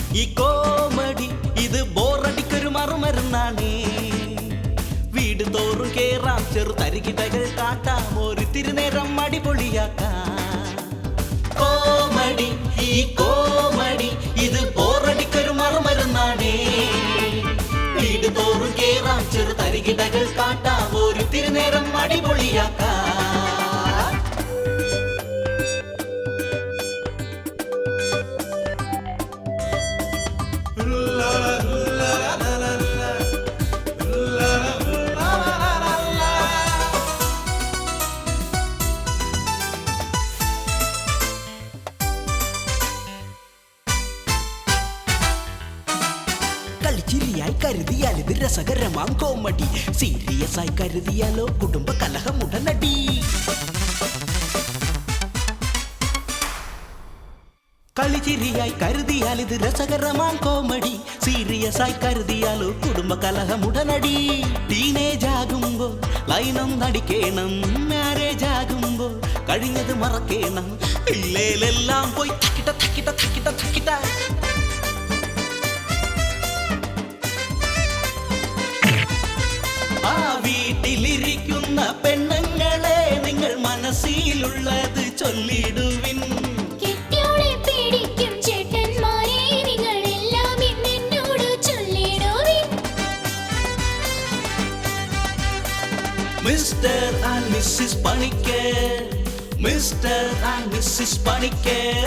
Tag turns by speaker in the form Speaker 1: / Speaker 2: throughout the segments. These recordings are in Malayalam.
Speaker 1: ഈ കോമഡി ഇത് ബോറടിക്കൊരു മറുമരുന്നാണേ. വീട് തോറും കേറാം, ചെറു തരികിടകൾ കാട്ടാം, ഒരു തിരുനേരം അടിപൊളിയാക്കാം. കോമഡി ഈ കോമഡി ഇത് ബോറടിക്കൊരു മറുമരുന്നാണേ. വീട് തോറും കേറാം, ചെറു തരികിടകൾ കാട്ടാം, ഒരു തിരുനേരം അടിപൊളിയാക്കാം. കളിച്ചിരിയായി കരുതിയാൽ ഇത് രസകരമാം കോമഡി, സീരിയസ് ആയി കരുതിയാലോ കുടുംബ കലഹം ഉടനടി. കളിച്ചിരിയായി കരുതിയാൽ ഇത് രസകരമാം കോമഡി, സീരിയസ് ആയി കരുതിയാലോ കുടുംബ കലഹം ഉടനടി. ടീനേജ് ആകുമ്പോ ലൈനം നടിക്കേണം, മാരേജ് ആകുമ്പോ കഴിഞ്ഞത് മറക്കേണം. ഇല്ലേലെല്ലാം പോയി തക്കിട്ട തക്കിട്ട തക്കിട്ട തക്കിട്ട. ആ വീട്ടിലിരിക്കുന്ന പെണ്ണുങ്ങളെ നിങ്ങൾ മനസ്സിലുള്ളത് ചൊല്ലിടുവിൻ. Mister and missus Panicker, mister and missus Panicker.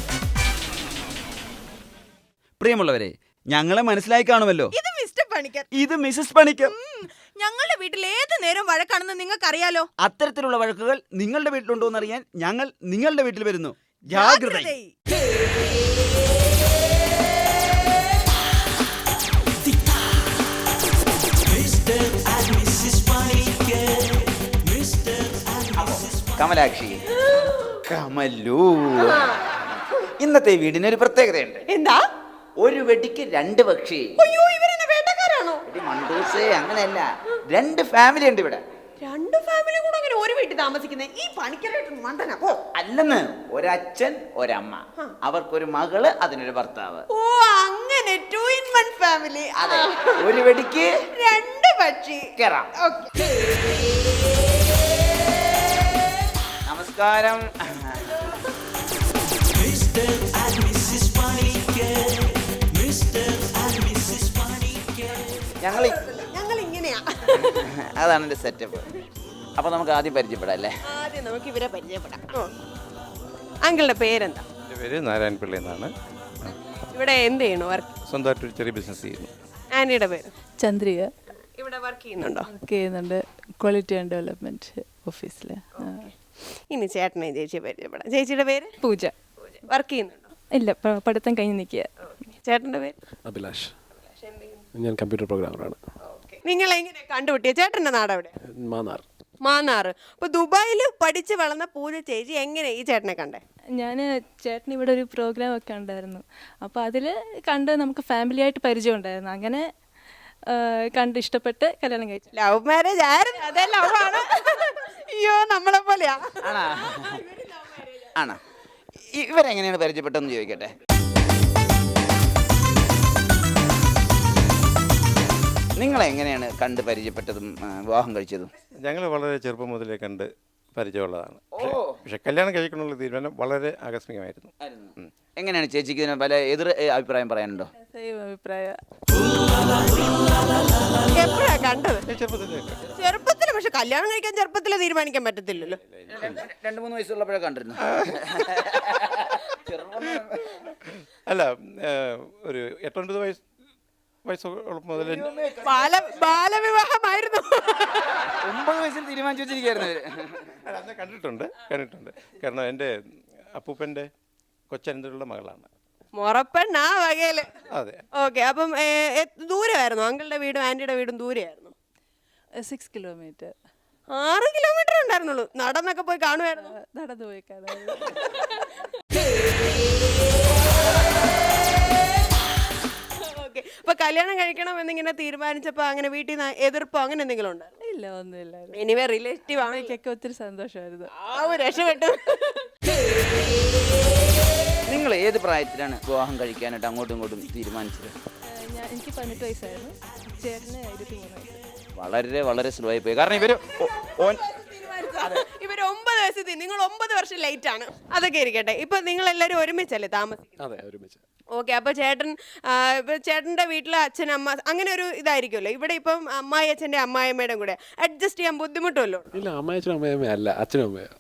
Speaker 2: പ്രിയമുള്ളവരെ, ഞങ്ങളെ മനസ്സിലായി കാണുമല്ലോ.
Speaker 3: ഇത് മിസ്റ്റർ പണിക്കർ,
Speaker 2: ഇത് മിസ്സിസ് പണിക്കർ.
Speaker 3: ഞങ്ങളുടെ വീട്ടിൽ ഏത് നേരം വഴക്കാണെന്ന് നിങ്ങൾക്കറിയാലോ.
Speaker 2: അത്തരത്തിലുള്ള വഴക്കുകൾ നിങ്ങളുടെ വീട്ടിലുണ്ടോ എന്നറിയാൻ ഞങ്ങൾ നിങ്ങളുടെ വീട്ടിൽ വരുന്നു. ജാഗ്രത. കമലാക്ഷി, കമലു, ഇന്നത്തെ വീടിനൊരു പ്രത്യേകതയുണ്ട്.
Speaker 3: എന്താ?
Speaker 2: ഒരു വെടിക്ക് രണ്ട് പക്ഷി.
Speaker 3: അയ്യോ, ഇവരെന്നെ വേട്ടക്കാരാണോ?
Speaker 2: മണ്ടൂസേ, അങ്ങനെയല്ല, രണ്ട് ഫാമിലി ഉണ്ട് ഇവിടെ.
Speaker 3: രണ്ട് ഫാമിലി കൂടെ അങ്ങനെ ഒരു വീട്ടിൽ താമസിക്കുന്നത് ഈ പണിക്കരായിട്ട് മണ്ടന.
Speaker 2: അല്ലെന്ന്, ഒരച്ഛൻ ഒരമ്മ, അവർക്കൊരു മകള്, അതിനൊരു ഭർത്താവ്.
Speaker 3: ഓ, അങ്ങനെ 2 in 1 ഫാമിലി.
Speaker 2: അതെ, ഒരു വെടിക്ക്
Speaker 3: രണ്ട് പക്ഷി.
Speaker 2: കേറാം. നമസ്കാരം.
Speaker 3: ഞങ്ങൾ ഇങ്ങനെയാ.
Speaker 2: അതാണ് എന്റെ സെറ്റപ്പ്. അപ്പൊ നമുക്ക് ആദ്യം പരിചയപ്പെടാം അല്ലേ?
Speaker 3: ആദ്യം നമുക്ക് ഇവരെ പരിചയപ്പെടാം. അങ്കിളുടെ പേരെന്താ?
Speaker 4: എൻ്റെ പേര് നാരായണ പിള്ള എന്നാണ്.
Speaker 3: ഇവിടെ എന്ത് ചെയ്യണു? വർക്ക്?
Speaker 4: സ്വന്തമായിട്ടൊരു ചെറിയ ബിസിനസ് ചെയ്യുന്നു.
Speaker 3: ആനിയുടെ പേര്?
Speaker 5: ചന്ദ്രിക.
Speaker 3: ഇവിടെ വർക്ക് ചെയ്യുന്നുണ്ടോ?
Speaker 5: വർക്ക് ചെയ്യുന്നുണ്ട്, ക്വാളിറ്റി ആൻഡ് ഡെവലപ്മെന്റ് ഓഫീസിൽ.
Speaker 3: ഇനി ചേട്ടനെ ചേച്ചിയെ പരിചയപ്പെടാം. ചേച്ചിയുടെ പേര്?
Speaker 5: പൂജ.
Speaker 3: വർക്ക് ചെയ്യുന്നുണ്ടോ?
Speaker 5: ഇല്ല, പഠിത്തം കഴിഞ്ഞ് നിൽക്കുക. ചേട്ടൻ്റെ പേര്?
Speaker 6: അഭിലാഷ്. ഞാൻ കമ്പ്യൂട്ടർ പ്രോഗ്രാമറാണ്.
Speaker 3: നിങ്ങൾ എങ്ങനെ കണ്ടുപിട്ടിയ? ചേട്ടൻ്റെ നാട് എവിടെ?
Speaker 6: മാന്നാർ.
Speaker 3: മാന്നാറ്. അപ്പോൾ ദുബായിൽ പഠിച്ച് വളർന്ന പൂജ ചേച്ചി എങ്ങനെ ഈ ചേട്ടനെ കണ്ടേ?
Speaker 5: ഞാൻ ചേട്ടൻ ഇവിടെ ഒരു പ്രോഗ്രാം ഒക്കെ ഉണ്ടായിരുന്നു, അപ്പോൾ അതിൽ കണ്ട് നമുക്ക് ഫാമിലി ആയിട്ട് പരിചയം ഉണ്ടായിരുന്നു. അങ്ങനെ കണ്ട് ഇഷ്ടപ്പെട്ട് കല്യാണം കഴിച്ചു.
Speaker 3: ലവ് മാരേജ് ആയിരുന്നു? അതെ, ലവ് ആണ്. അയ്യോ, നമ്മളെ പോലെയാ.
Speaker 2: ആണോ? ഇവരെങ്ങനെയാണ് പരിചയപ്പെട്ടതെന്ന് ചോദിക്കട്ടെ. നിങ്ങളെങ്ങനെയാണ് കണ്ട് പരിചയപ്പെട്ടതും വിവാഹം കഴിച്ചതും?
Speaker 4: ഞങ്ങൾ വളരെ ചെറുപ്പം മുതലേ കണ്ട് പരിചയമുള്ളതാണ്. പക്ഷെ കല്യാണം കഴിക്കണമെന്നുള്ള തീരുമാനം വളരെ ആകസ്മികമായിരുന്നു.
Speaker 2: എങ്ങനെയാണ് ചേച്ചിക്ക് ഇതിന് പല എതിർ അഭിപ്രായം പറയാനുണ്ടോ?
Speaker 5: അഭിപ്രായം.
Speaker 3: എപ്പോഴാ കണ്ടത്?
Speaker 4: ചെറുപ്പത്തിൽ.
Speaker 3: പക്ഷെ കല്യാണം കഴിക്കാൻ ചെറുപ്പത്തിൽ തീരുമാനിക്കാൻ പറ്റത്തില്ലല്ലോ.
Speaker 2: 2-3 വയസ്സുള്ളപ്പോഴേ കണ്ടിരുന്നു.
Speaker 4: അല്ല, ഒരു 8-9 വയസ്സ് മുതൽ
Speaker 3: ബാലവിവാഹമായിരുന്നു.
Speaker 2: 9 വയസ്സിൽ തീരുമാനിച്ചു വെച്ചിരിക്കുകയായിരുന്നു.
Speaker 4: അന്ന് കണ്ടിട്ടുണ്ട്. കാരണം എൻ്റെ അപ്പൂപ്പൻ്റെ കൊച്ചനന്തരമുള്ള മകളാണ്.
Speaker 3: മുറപ്പെണ്ണാ വകയില്.
Speaker 4: അതെ.
Speaker 3: ഓക്കെ. അപ്പം ദൂരമായിരുന്നു അങ്കിളുടെ വീടും ആന്റിയുടെ വീടും? ദൂരെയായിരുന്നു.
Speaker 5: 6 കിലോമീറ്റർ.
Speaker 3: 6 കിലോമീറ്റർ ഉണ്ടായിരുന്നുള്ളൂ. നടന്നൊക്കെ പോയി കാണുമായിരുന്നു?
Speaker 5: നടന്നു പോയി കാണാൻ.
Speaker 3: ഓക്കെ. അപ്പൊ കല്യാണം കഴിക്കണം എന്നിങ്ങനെ തീരുമാനിച്ചപ്പോ അങ്ങനെ വീട്ടിൽ നിന്ന് എതിർപ്പോ അങ്ങനെ എന്തെങ്കിലും ഉണ്ടായിരുന്നു?
Speaker 5: ഇല്ല, ഒന്നുമില്ല.
Speaker 3: എനിവേ റിലേറ്റീവ് ആണ്.
Speaker 5: എനിക്കൊക്കെ ഒത്തിരി സന്തോഷമായിരുന്നു.
Speaker 3: രക്ഷപ്പെട്ടു.
Speaker 2: നിങ്ങൾ ഏത് പ്രായത്തിലാണ് വിവാഹം കഴിക്കാനായിട്ട് അങ്ങോട്ടും ഇങ്ങോട്ടും തീരുമാനിച്ചത്?
Speaker 5: എനിക്ക് 18 വയസ്സായിരുന്നു, ചേട്ടന് 23 വയസ്സ്.
Speaker 2: വളരെ വളരെ സ്ലോ ആയി പോയി. കാരണം ഇവര്
Speaker 3: ഇവര് 9 വയസ്സെത്തി, നിങ്ങൾ 9 വർഷം ലേറ്റ് ആണ്. അതൊക്കെ ഇരിക്കട്ടെ. ഇപ്പൊ നിങ്ങൾ എല്ലാവരും ഒരുമിച്ചല്ലേ താമസിക്കുന്നത്?
Speaker 6: അതെ, ഒരുമിച്ച്.
Speaker 3: ഓക്കെ. അപ്പൊ ചേട്ടന്റെ വീട്ടിലെ അച്ഛൻ അമ്മ അങ്ങനെ ഒരു ഇതായിരിക്കുമല്ലോ. ഇവിടെ ഇപ്പം അമ്മായി അച്ഛന്റെ അമ്മായിയമ്മയുടെ കൂടെ അഡ്ജസ്റ്റ് ചെയ്യാൻ ബുദ്ധിമുട്ടുമല്ലോ?
Speaker 6: ഇല്ല, അമ്മയച്ഛനും അമ്മയമ്മ അല്ല, അച്ഛനും അമ്മയോ.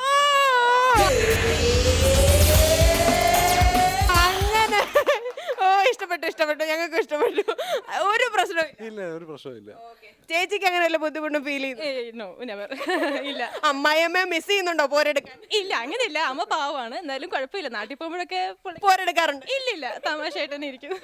Speaker 3: അങ്ങനെ ഇഷ്ടപ്പെട്ടു, ഞങ്ങൾക്ക് ഇഷ്ടപ്പെട്ടു. ഒരു പ്രശ്നവും
Speaker 6: ഇല്ല, ഒരു പ്രശ്നമില്ല.
Speaker 3: ചേച്ചിക്ക് അങ്ങനെ വല്ല ബുദ്ധിമുട്ടും ഫീൽ ചെയ്തു?
Speaker 5: No, never. ഇല്ല.
Speaker 3: അമ്മായിയമ്മ മിസ് ചെയ്യുന്നുണ്ടോ പോരെടുക്കാൻ?
Speaker 5: ഇല്ല, അങ്ങനെയില്ല. അമ്മ പാവമാണ്, എന്നാലും കുഴപ്പമില്ല. നാട്ടിൽ പോകുമ്പോഴൊക്കെ
Speaker 3: പോരെടുക്കാറുണ്ട്?
Speaker 5: ഇല്ലില്ല, തമാശയായിട്ട് തന്നെ ഇരിക്കും.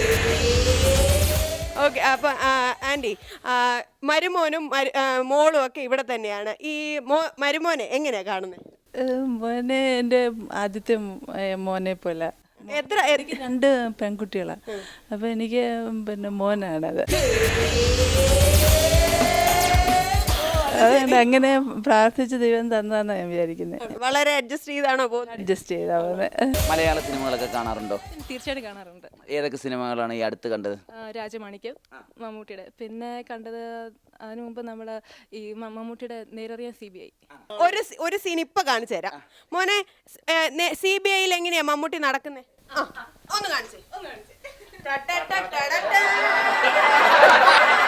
Speaker 3: ഓക്കെ. അപ്പൊ ആന്റി, മരുമോനും മോളും ഒക്കെ ഇവിടെ തന്നെയാണ്. ഈ മരുമോനെ എങ്ങനെയാ കാണുന്നത്?
Speaker 7: മോനെ എൻ്റെ ആദ്യത്തെ മോനെ പോലെ. എനിക്ക് 2 പെൺകുട്ടികളാണ്. അപ്പൊ എനിക്ക് പിന്നെ മോനാണത്. അതുകൊണ്ട് അങ്ങനെ പ്രാർത്ഥിച്ച് ദൈവം തന്നതാന്ന് ഞാൻ വിചാരിക്കുന്നത്.
Speaker 3: വളരെ അഡ്ജസ്റ്റ് ചെയ്താണോ പോകുന്നത്?
Speaker 7: അഡ്ജസ്റ്റ് ചെയ്താ പോകുന്നത്.
Speaker 2: മലയാള സിനിമകളൊക്കെ കാണാറുണ്ടോ?
Speaker 5: തീർച്ചയായിട്ടും കാണാറുണ്ട്.
Speaker 2: ഏതൊക്കെ സിനിമകളാണ് ഈ അടുത്ത് കണ്ടത്?
Speaker 5: രാജമാണിക്യം, മമ്മൂട്ടിയുടെ. പിന്നെ കണ്ടത് അതിനു മുമ്പ് നമ്മള് ഈ മമ്മൂട്ടിയുടെ നേരറിയാൻ CBI.
Speaker 3: ഒരു സീൻ ഇപ്പൊ കാണിച്ചു തരാം. മോനെ, CBI-യിൽ എങ്ങനെയാ മമ്മൂട്ടി നടക്കുന്നേ? ഒന്ന് കാണിച്ചേ.